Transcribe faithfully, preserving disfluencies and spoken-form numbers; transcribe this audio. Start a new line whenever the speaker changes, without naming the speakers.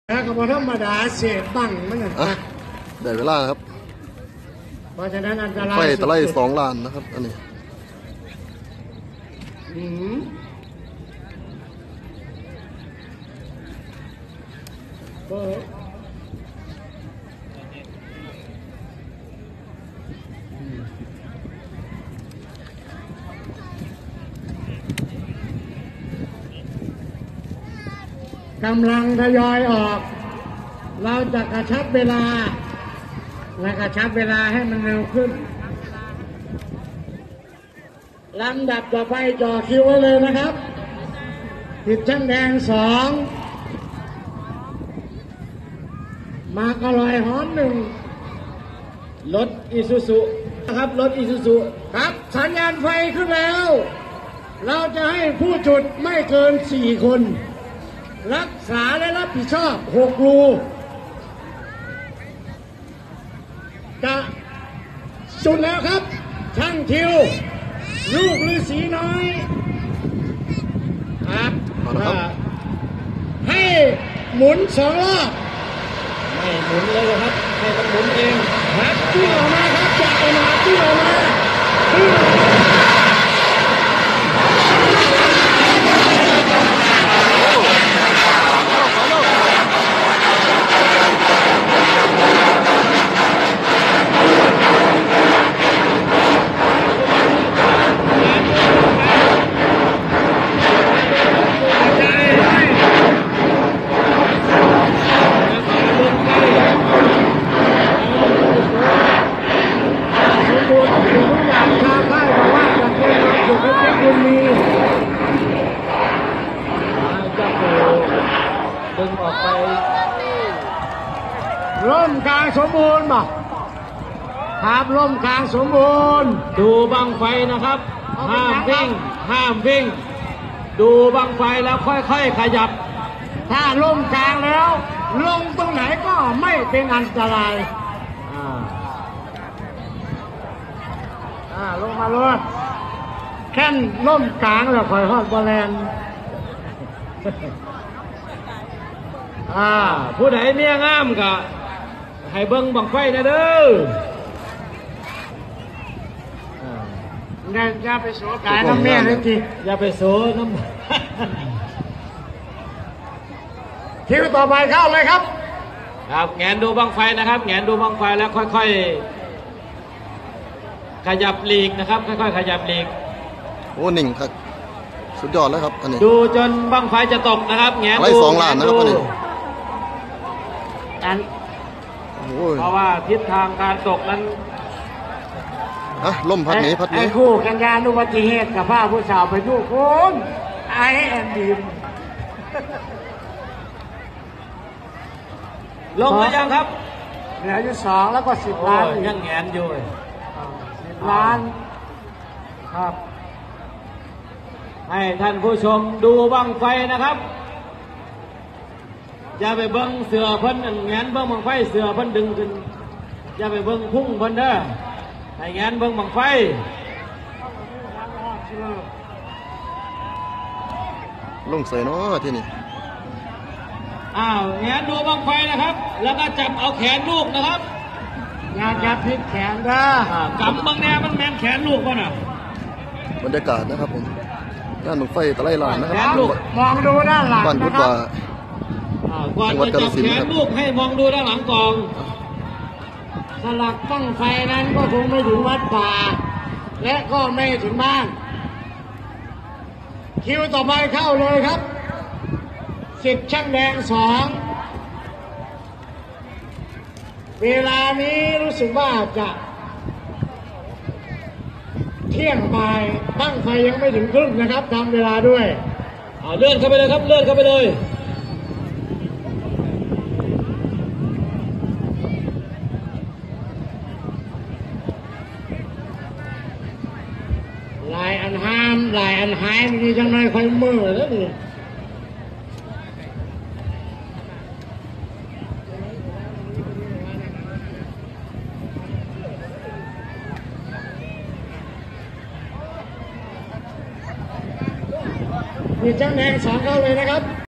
แล้วก็บธรรมดาเศษบังมันนะ
ได้เวลาครับ
เพราะฉะนั้นอันตราย
ไฟตะไลสองล้านนะครับอันนี้
อืมเปิดกำลังทยอยออกเราจะกระชับเวลาและกระชับเวลาให้มันเร็วขึ้นลำดับต่อไปจ่อคิวไว้เลยนะครับติดช่างแดงสองมากระลอยหอมหนึ่งรถอิซูซุนะครับรถอิซูซุครับสัญญาณไฟขึ้นแล้วเราจะให้ผู้จุดไม่เกินสี่คนรักษาและรับผิดชอบหกรูจะจุดแล้วครับช่างทิวลูกฤาษีน้อยครับให้หมุนสองรอบให้หมุนเลยครับให้มันหมุนเองครับจิ้งออกมาครับจากออกมาจิ้งออกมาจิ้งออกมาดึงออกไปร่มกลางสมบูรณ์ป่ะครับร่มกลางสมบูรณ์ดูบังไฟนะครับห้ามวิ่งห้ามวิ่งดูบังไฟแล้วค่อยๆขยับถ้าร่มกลางแล้วลงตรงไหนก็ไม่เป็นอันตรายอ่าอ่าลงมาเลยแค่ร่มกลางแล้วค่อยฮอดบอลแลนอ่าผู้ใดเมียงามก็ให้เบิ้งบังไฟนะเด้ออย่าไปโสกายน้ำแม่เลยทีอย่าไปโสน้ำคิวต่อไปเข้าเลยครับครับแงนดูบังไฟนะครับแงนดูบังไฟแล้วค่อยๆขยับหลีกนะครับค่อยๆขยับหลีก
โอ้หนึ่งครับสุดยอดแล้วครับอันนี้
ดูจนบังไฟจะตกนะครับแงนดู
สองล้านนะครับอันนี้
เพราะว่าทิศทางการตกนั้น
อะล่มพัดหนีพัดหนี
ไอ้คู่กันยานอุบัติเหตุกับผ้าผู้สาวไปดูคนไอแอนดีม
ลงมายังครับ
เหลืออยู่สองแล้วก็สิบล้าน
ยังแงนอยู่
สิบล้านครับ
ให้ท่านผู้ชมดูบังไฟนะครับอย่าไปเบิ้งเสือเพิ่นแงนเบิ้งบังไฟเสือเพิ่นดึงขึ้นอย่าไปเบิ้งพุ่งเพิ่นเด้อให้แงนเบิ้งบังไฟ
ลงใส่เนาะที่นี่
อ้าวแงนดูบังไฟนะครับแล้วก็จับเอาแขนลูกนะครับ
อย่าจับพิษแขนเด้
อกำบังแนมันแมนแขนลูกป่ะน่ะ
บรรยากาศนะครับผมด้านบังไฟตะไลลานนะครับ
มองดูด้านหลังนะครับ
ก่อนจะจับแขนลูกให้มองดูด้านหลังกอง
สลักบั้งไฟนั้นก็คงไม่ถึงวัดป่าและก็ไม่ถึงบ้านคิวต่อไปเข้าเลยครับสิบช่างแดงสองเวลานี้รู้สึกว่าจะเที่ยงบ่ายบั้งไฟยังไม่ถึงครึ่งนะครับทำเวลาด้วย
เอาเลื่อนเข้าไปเลยครับเลื่อนเข้าไปเลย
ลายอันห้ามลายอันหายมีจังเลยค่อยมือแล้วนี่มีเจ้าแดงสองเข้าเลยนะครับ